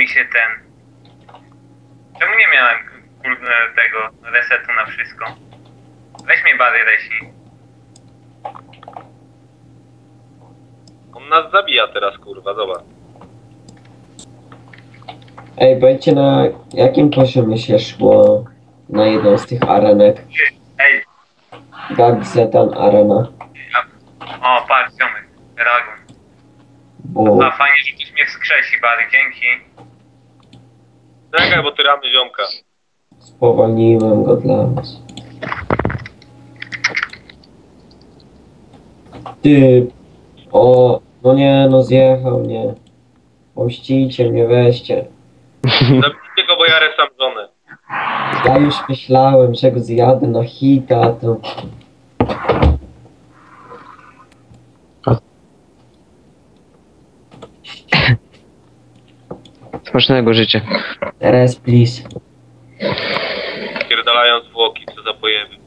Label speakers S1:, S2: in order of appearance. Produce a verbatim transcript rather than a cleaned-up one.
S1: mi się ten... Czemu nie miałem kurde, tego resetu na wszystko? Weź mnie Bary resi.
S2: On nas zabija teraz, kurwa, zobacz.
S3: Ej, powiedzcie na jakim poziomie się szło na jedną z tych arenek?
S1: Ej,
S3: Gagzetan Arena.
S1: ja... O, patrz, ziomek, Dragon.
S3: Bo
S1: A fajnie, że ktoś mnie wskrzesi, Bary, dzięki.
S2: Czekaj, bo ty ramy ziomka.
S3: spowolniłem go dla was. Ty... O... No nie, no zjechał, nie. Pomścicie mnie, weźcie.
S2: Zabijcie go, bo ja resam żonę.
S3: Ja już myślałem, że go zjadę na hita, to...
S4: Smacznego życia.
S3: Teraz please.
S2: Pierdalają zwłoki, co za pojeby.